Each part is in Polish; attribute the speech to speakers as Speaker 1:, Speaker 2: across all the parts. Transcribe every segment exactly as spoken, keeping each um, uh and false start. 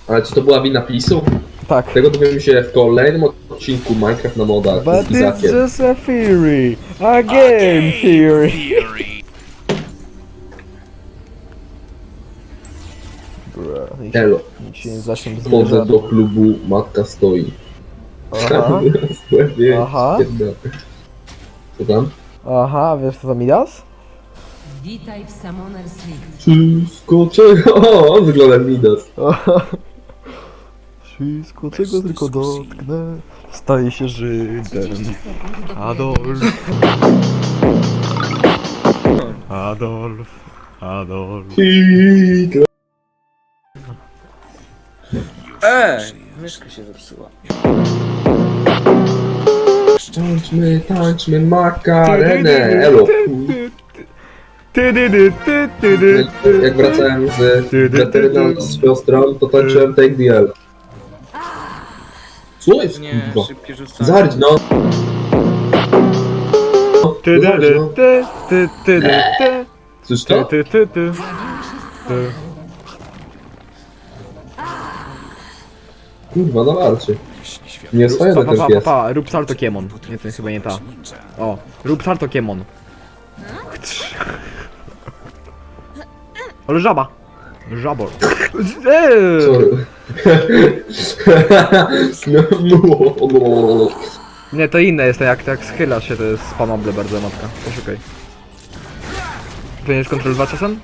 Speaker 1: Ale czy to była wina PiSu?
Speaker 2: Tak.
Speaker 1: Tego dowiemy się w kolejnym odcinku Minecraft na modach
Speaker 2: But
Speaker 1: z
Speaker 2: it's
Speaker 1: Izakiem.
Speaker 2: just a theory. A game theory. Bro,
Speaker 1: Elo,
Speaker 2: nikt się nie zacznie
Speaker 1: wchodzę
Speaker 2: zbliża.
Speaker 1: do klubu, matka stoi.
Speaker 2: Aha. Aha.
Speaker 1: Co tam?
Speaker 2: Aha, wiesz co to Midas?
Speaker 3: Witaj w Summoner's Rift.
Speaker 1: Wszystko czego? O, on wygląda jak Midas.
Speaker 2: Wszystko czego tylko dotknę staje się Żydem.
Speaker 3: trzydzieści sekund do
Speaker 2: Adolf.
Speaker 3: pojawienia
Speaker 2: Adolf. Adolf.
Speaker 1: Hitler.
Speaker 4: Ej, myszka się zepsuła.
Speaker 1: Tańczmy, tańczmy makarenę. Elo.
Speaker 2: Ty, ty, ty, ty, ty, ty, ty.
Speaker 1: Jak wracałem z weteryną z siostrą, to tańczyłem Take the L. Co jest
Speaker 4: Nie,
Speaker 1: kurwa?
Speaker 4: szybkie rzucanie.
Speaker 1: Zardź no!
Speaker 2: Ty, ty,
Speaker 1: Zardź
Speaker 2: ty,
Speaker 1: no!
Speaker 2: ty, ty, ty, ty, ty.
Speaker 1: Słyszysz
Speaker 2: Ty,
Speaker 1: to?
Speaker 2: ty, ty, ty. Ty.
Speaker 1: Kurwa, na warcie. Nie
Speaker 2: Pa,
Speaker 1: oswajony
Speaker 2: pa,
Speaker 1: ten
Speaker 2: pa, pa,
Speaker 1: pies.
Speaker 2: pa, rób salto kiemon. Nie, to chyba nie ta. O, rób salto kiemon. Ale żaba. Żabor. Eee.
Speaker 1: Sorry. No,
Speaker 2: Nie, to inne jest, to jak, jak schylasz się, to jest spamable bardzo, matka. Poszukaj. Powinieneś kontrol dwa czasem?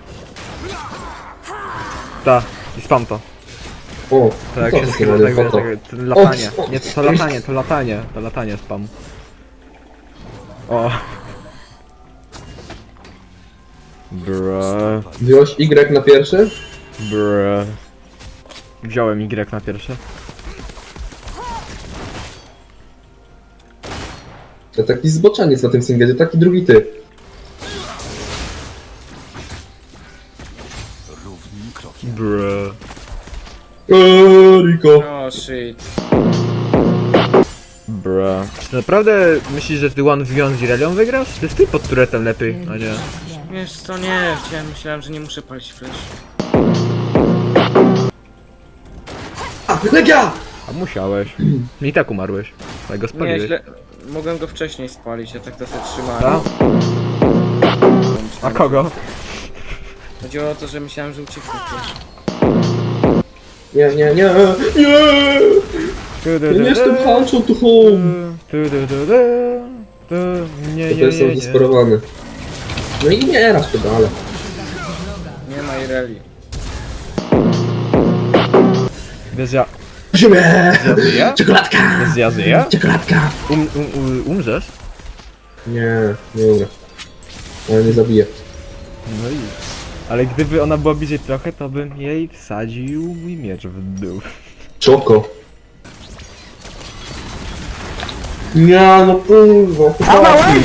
Speaker 2: Ta, i spam to.
Speaker 1: O,
Speaker 2: To jak
Speaker 1: co
Speaker 2: się
Speaker 1: to
Speaker 2: schyla,
Speaker 1: za
Speaker 2: tak wiesz,
Speaker 1: foto?
Speaker 2: tak, to latanie.
Speaker 1: O,
Speaker 2: Nie, to latanie, to latanie, to latanie spam. O. Bruh,
Speaker 1: Wziąłeś Y na pierwszy?
Speaker 2: bruh. Wziąłem Y na pierwsze.
Speaker 1: To taki zboczaniec na tym singlezie, taki drugi ty.
Speaker 2: Bruh.
Speaker 1: Eee, Rico.
Speaker 4: O shit.
Speaker 2: Bruh. Czy naprawdę myślisz, że ty one v one z Irelią wygrasz? To jest ty pod turetem lepiej, a nie.
Speaker 4: Wiesz co, nie, chciałem, myślałem, że nie muszę palić flash.
Speaker 1: A, Legia!
Speaker 2: A musiałeś. I tak umarłeś. Tak go
Speaker 4: Nie,
Speaker 2: spaliłeś.
Speaker 4: źle. Mogłem go wcześniej spalić, ja tak to sobie
Speaker 2: A?
Speaker 4: trzymałem.
Speaker 2: A kogo?
Speaker 4: Chodziło o to, że myślałem, że ucieknie też.
Speaker 1: Nie, nie, nie, nie! Ja nie jestem Hancho to home!
Speaker 2: Tu, tu, tu, tu, tu. Nie,
Speaker 1: To
Speaker 2: nie,
Speaker 1: jestem
Speaker 2: nie, nie.
Speaker 1: zdesperowany. No i nie raz pedale.
Speaker 4: Nie ma Ireli.
Speaker 2: Bez ja...
Speaker 1: Ziemię!
Speaker 2: Żyje?
Speaker 1: Czekoladka!
Speaker 2: Bez ja żyje?
Speaker 1: Czekoladka!
Speaker 2: Um, um, um, umrzesz?
Speaker 1: Nie, nie umrę. Ale nie zabiję.
Speaker 2: No i... Ale gdyby ona była bliżej trochę, to bym jej wsadził mój miecz w dół.
Speaker 1: Czoko. Nie, no kurwa, chłopaki.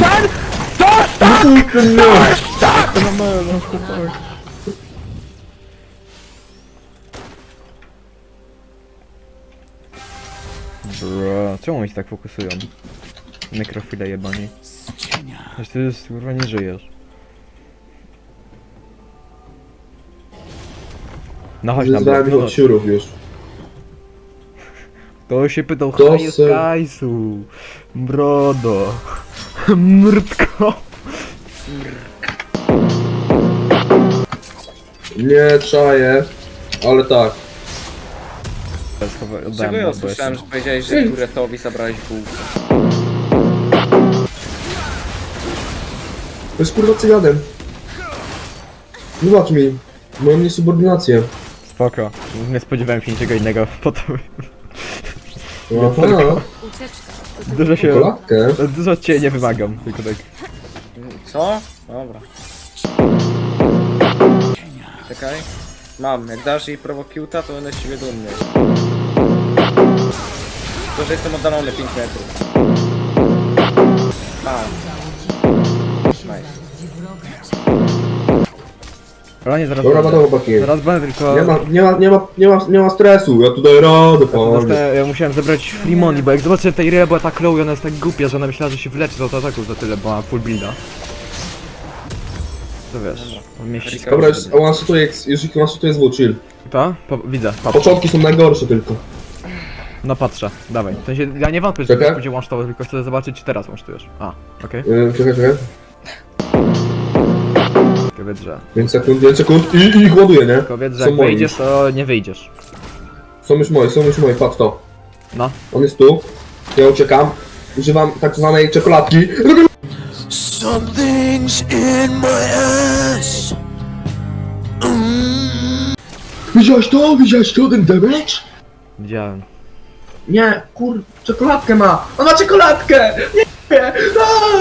Speaker 2: Bro, czemu oni się tak fokusują? Nekrofile jebani. Przecież ty już kurwa nie żyjesz. No chodź na
Speaker 1: Wyzwałem
Speaker 2: bok,
Speaker 1: ich od siurów już.
Speaker 2: to się pytał
Speaker 1: To
Speaker 2: haju z
Speaker 1: se-
Speaker 2: kajsu. Brodo. Mrtko.
Speaker 1: Nie czaję, ale tak.
Speaker 4: Czego ja usłyszałem, że powiedziałeś, że Turetowi zabrałeś bułkę?
Speaker 1: To jest kurwa cyganem. Wybacz mi, moją niesubordynację.
Speaker 2: Spoko. Nie spodziewałem się niczego innego po to.
Speaker 1: Aha,
Speaker 2: Dużo się...
Speaker 1: czekoladkę.
Speaker 2: Dużo od ciebie nie wymagam, tylko tak.
Speaker 4: Co? Dobra. Czekaj. Mam, jak dasz jej prowokiuta, to będę z ciebie dumny. To, że jestem oddalony pięć metrów. Mam. Nice.
Speaker 2: Ale nie, zaraz
Speaker 1: Dobra,
Speaker 2: będę.
Speaker 1: gotowo chłopaki.
Speaker 2: Zaraz będę, tylko...
Speaker 1: Nie ma, nie ma, nie ma, nie ma, nie ma stresu, ja tutaj radę,
Speaker 2: Dostałem,
Speaker 1: panie.
Speaker 2: ja musiałem zebrać Flimoni, bo jak zobaczyłem tej Irea była tak low i ona jest tak głupia, że ona myślała, że się wyleczy z autoataku za tyle, bo ma full builda. to wiesz, on mnie ściska.
Speaker 1: Dobra, już one-shotuje, już ich one-shotuje z W, chill.
Speaker 2: To? Po, widzę, patrz.
Speaker 1: Początki są najgorsze tylko.
Speaker 2: No patrzę, dawaj. W sensie, ja nie wątpię, że
Speaker 1: Czekaj.
Speaker 2: to będzie łącztowo, tylko chcę zobaczyć, czy teraz łącztujesz. A, okej.
Speaker 1: Yy, czekaj, czekaj.
Speaker 2: Kobiet, że...
Speaker 1: pięć sekund, pięć sekund i, i ich ładuję, nie?
Speaker 2: Kobiet, że
Speaker 1: Są
Speaker 2: jak
Speaker 1: moi
Speaker 2: wyjdziesz,
Speaker 1: już.
Speaker 2: to nie wyjdziesz.
Speaker 1: Są już moje, są już moje, patrz to.
Speaker 2: No.
Speaker 1: On jest tu. Ja uciekam. Używam tak zwanej czekoladki.
Speaker 5: Something's in my ass.
Speaker 1: Widziałeś to? Widziałeś to? Ten damage?
Speaker 2: Widziałem.
Speaker 1: Nie, kur... czekoladkę ma! On ma czekoladkę! Nie! No!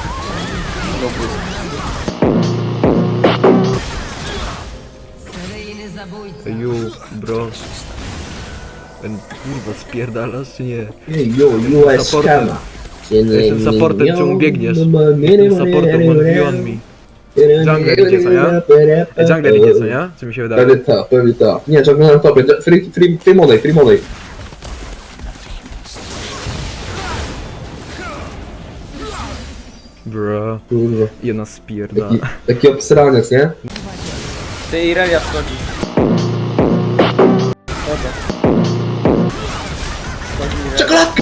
Speaker 3: Seryjny zabójca.
Speaker 2: You, bro. Ten kurwa spierdalasz czy nie?
Speaker 1: Ej, yo, U S
Speaker 2: Supportem.
Speaker 1: scam.
Speaker 2: Jestem supportem, czemu biegniesz? Jestem supportem, one v one me. Jungler idzie, co nie? Ej, jungler idzie, co nie? Czy mi się wydaje?
Speaker 1: Pewnie tak, pewnie tak. Nie, jungler na topie. Free, free, free money, free money.
Speaker 2: Bro.
Speaker 1: Kurwa.
Speaker 2: Jedna spierdala.
Speaker 1: Taki, taki obsraniec, nie?
Speaker 4: Ty Irelia wchodzi. Wchodzę. Wchodzi Irelia.
Speaker 1: Czekoladka!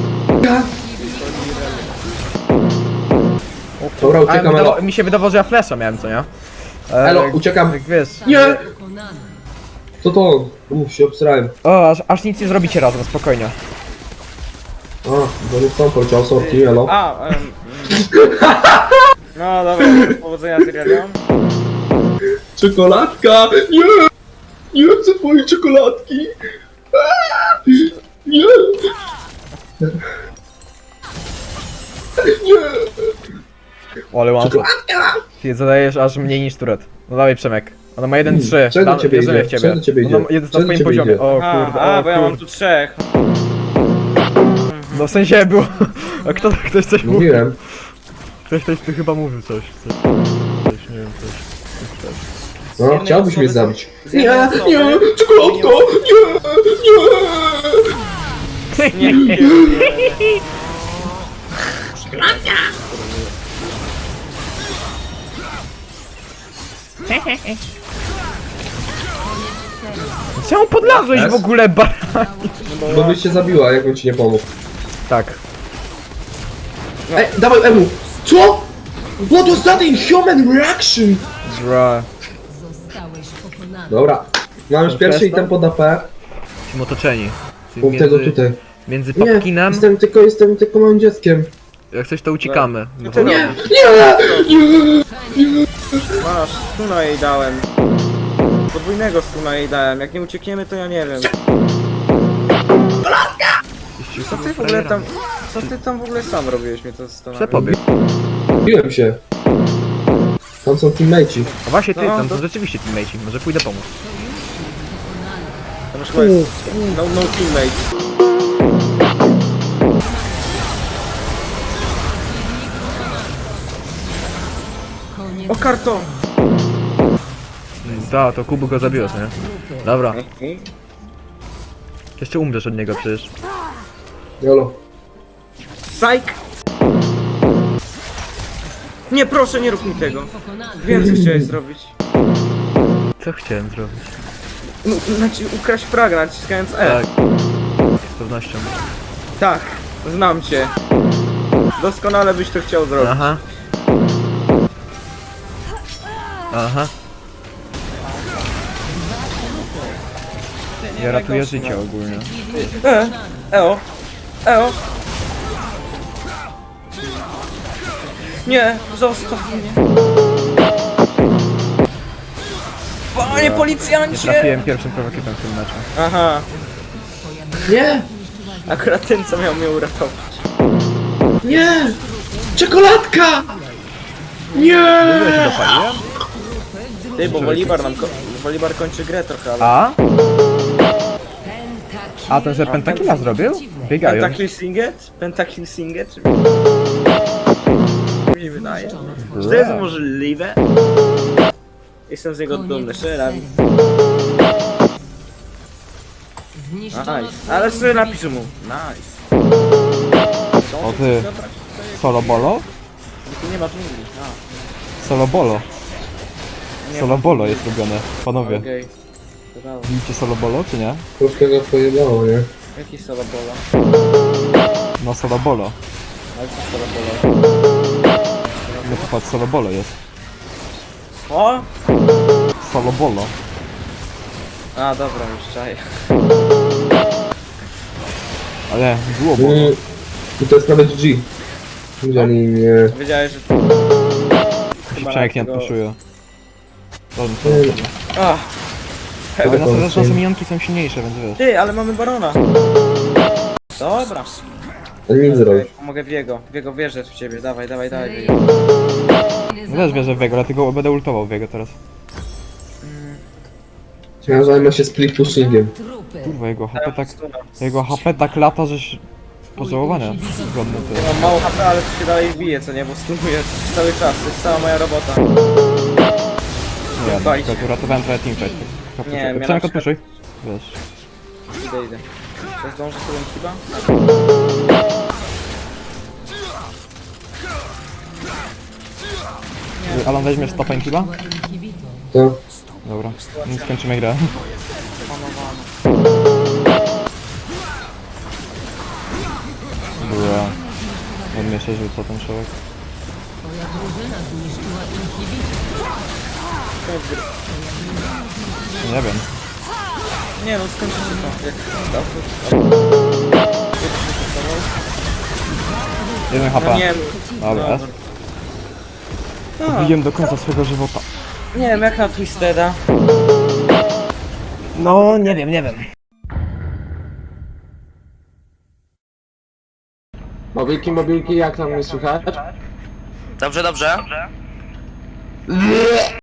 Speaker 1: Dobra,
Speaker 2: A,
Speaker 1: uciekam,
Speaker 2: wydawa
Speaker 1: elo.
Speaker 2: mi się wydawało, że ja flasha miałem, co nie? E,
Speaker 1: Elo,
Speaker 2: jak-
Speaker 1: uciekam.
Speaker 2: Jak wiesz.
Speaker 1: Nie!
Speaker 3: Pokonany.
Speaker 1: Co to? Uff, się obsrałem.
Speaker 2: O, aż, aż nic nie zrobicie razem, spokojnie.
Speaker 1: A, bo nie chcą poleciał sorti, elo.
Speaker 4: A, em, mm. No dobra, powodzenia z Irelią.
Speaker 1: Czekoladka! Nie! Nie chcę twojej czekoladki! Aaa! Nie! Nie!
Speaker 2: O, ale one shot.
Speaker 1: Czekoladka!
Speaker 2: Ty zadajesz aż mniej niż turet. No dawaj Przemek. Ona ma jeden trzy.
Speaker 1: Czego do ciebie
Speaker 2: wierzymy
Speaker 1: idzie?
Speaker 2: w ciebie.
Speaker 1: Czego do ciebie
Speaker 2: Ona
Speaker 1: idzie?
Speaker 2: ma jeden
Speaker 1: Czego
Speaker 2: na
Speaker 1: do
Speaker 2: swoim
Speaker 1: ciebie
Speaker 2: poziomie.
Speaker 1: idzie?
Speaker 2: O
Speaker 4: A,
Speaker 2: kurde,
Speaker 4: a,
Speaker 2: o
Speaker 4: bo ja mam
Speaker 2: kurde.
Speaker 4: tu trzech.
Speaker 2: No w sensie było... A kto, ktoś coś mówił?
Speaker 1: Mówiłem.
Speaker 2: Ktoś, ktoś tu chyba mówił coś. Coś, coś nie wiem, coś. coś.
Speaker 4: Z
Speaker 1: No,
Speaker 4: jednej
Speaker 1: chciałbyś
Speaker 4: osoby
Speaker 1: mnie
Speaker 4: są-
Speaker 1: zabić.
Speaker 4: z jednej osoby-
Speaker 1: Nie! Czekoladka! Nie! Nie!
Speaker 4: Nie, nie, nie.
Speaker 2: Czemu podlazłeś w ogóle, bar...
Speaker 1: Bo byś się zabiła, jakbym ci nie pomógł.
Speaker 2: Tak.
Speaker 1: Ej, dawaj Emu! Co? What was that inhuman reaction?
Speaker 2: Bra.
Speaker 3: Zostałeś pokonany.
Speaker 1: Dobra. Mam już pierwszy item pod A P.
Speaker 2: Jesteśmy otoczeni. Czyli
Speaker 1: Punkt tego
Speaker 2: między,
Speaker 1: tutaj.
Speaker 2: między
Speaker 1: Nie,
Speaker 2: Papkinem,
Speaker 1: jestem tylko, jestem tylko małym dzieckiem.
Speaker 2: jak coś to uciekamy. No,
Speaker 4: to
Speaker 1: Nie!
Speaker 4: nie.
Speaker 1: Nie!
Speaker 4: Masz, stuna jej dałem. Podwójnego stuna jej dałem. Jak nie uciekniemy, to ja nie wiem. Co ty w ogóle tam... Co ty tam w ogóle sam robiłeś, mnie to zastanawia.
Speaker 2: Przepobieg.
Speaker 1: Biłem się. Tam są teammateci.
Speaker 2: A właśnie ty,
Speaker 4: No,
Speaker 2: tam
Speaker 4: to-
Speaker 2: są rzeczywiście teammateci, może pójdę pomóc.
Speaker 4: Tam już chyba jest... No, no teammate.
Speaker 3: Koniec
Speaker 4: O, karton!
Speaker 2: Da, to Kubu go zabiłeś, nie? Dobra,
Speaker 4: Ej,
Speaker 2: jeszcze umrzesz od niego przecież.
Speaker 1: Jolo.
Speaker 4: Psych! Nie, proszę, nie rób mi tego.
Speaker 3: pokonany.
Speaker 4: Wiem, co chciałeś zrobić.
Speaker 2: Co chciałem zrobić?
Speaker 4: No, znaczy, ukraść fraga, naciskając E.
Speaker 2: Tak. Z pewnością.
Speaker 4: Tak, znam cię. Doskonale byś to chciał zrobić.
Speaker 2: Aha. Aha. Ja ratuję życie ogólnie.
Speaker 4: E, eo, eo. Nie, zostaw mnie. Panie policjancie!
Speaker 2: Trafiłem pierwszym prowokietem w tym meczu.
Speaker 4: Aha,
Speaker 1: Nie!
Speaker 4: akurat ten, co miał mnie uratować.
Speaker 1: Nie! Czekoladka! Nie!
Speaker 2: Ja się dopaliłem?
Speaker 4: Ty, bo Wolibar nam ko Wolibar kończy grę trochę, ale...
Speaker 2: A? A ten, że pentakilla zrobił? Biegają.
Speaker 4: Pentakill Singet? Pentakill Singet? Mi się wydaje. Czy to jest możliwe? Jestem z niego dumny, szczerze.
Speaker 3: Zniszczono
Speaker 4: Nice. Ale sobie napiszę mu. Nice.
Speaker 2: O ty. Solo bolo?
Speaker 4: Tu nie ma dżungli. A.
Speaker 2: Solo bolo.
Speaker 4: Nie,
Speaker 2: Solo bolo jest robione, panowie.
Speaker 4: Okej. Brawo.
Speaker 2: Widzicie solo bolo, czy nie?
Speaker 1: Troszkę go pojebało, nie?
Speaker 4: Jaki solo bola?
Speaker 2: No solo bolo.
Speaker 4: Ale co solo bola?
Speaker 2: No to patrz, solo bolo jest.
Speaker 4: Co?
Speaker 2: Solo bolo.
Speaker 4: A, dobra, już czaję.
Speaker 2: Ale było bolo.
Speaker 1: Mm. I to jest nawet G. Widzieli mnie.
Speaker 4: Wiedziałeś, że...
Speaker 2: Się
Speaker 4: na
Speaker 2: przeniknie
Speaker 4: tego-
Speaker 2: puszuję. Dobrze,
Speaker 1: Mm.
Speaker 2: solo bolo.
Speaker 4: Ach,
Speaker 2: Ale na
Speaker 1: to
Speaker 2: to
Speaker 1: jest-
Speaker 2: nasze minionki są silniejsze, więc wiesz.
Speaker 4: ty, ale mamy barona. Dobra.
Speaker 1: Ale nic zrobić.
Speaker 4: Mogę w jego, w jego wierzę w ciebie, dawaj, dawaj, dawaj. w jego.
Speaker 2: No też wierzę w jego, dlatego będę ultował w jego teraz.
Speaker 1: Ja zajmę się split pushingiem.
Speaker 3: Trupy.
Speaker 2: Kurwa, jego H P tak...
Speaker 4: Stuna.
Speaker 2: Jego H P tak lata, żeś... Pożałowania. Zgodne
Speaker 4: Ja
Speaker 2: to.
Speaker 4: mam mało H P, ale to się dalej bije, co nie? Bo stunuję cały czas, to jest cała moja robota.
Speaker 2: Nie, na
Speaker 4: Fajnie.
Speaker 2: przykład uratowałem trochę teamfight.
Speaker 4: Nie, ja na
Speaker 2: Przynajmniej
Speaker 4: przykład-
Speaker 2: odpuszczaj. Wiesz.
Speaker 4: Idę, idę. Czy zdążę sobie chyba?
Speaker 2: Alan, weźmiesz stopa inhiba?
Speaker 3: Inhibitor.
Speaker 1: To.
Speaker 2: Dobra, no skończymy grę. Była. On mnie się rzuca ten człowiek.
Speaker 3: Twoja drużyna zniszczyła inhibitor.
Speaker 4: Koniec gry.
Speaker 2: Nie wiem.
Speaker 4: Nie no, skończy się to. Jak dobrze.
Speaker 2: Jeden H
Speaker 4: No
Speaker 2: P.
Speaker 4: nie
Speaker 2: Dobra.
Speaker 4: Dobra.
Speaker 2: Bijem do końca swojego żywota.
Speaker 4: Nie wiem, jak na Twisteda.
Speaker 2: No, nie wiem, nie wiem.
Speaker 1: Mobilki, mobilki, jak tam mnie słychać?
Speaker 5: Dobrze, dobrze.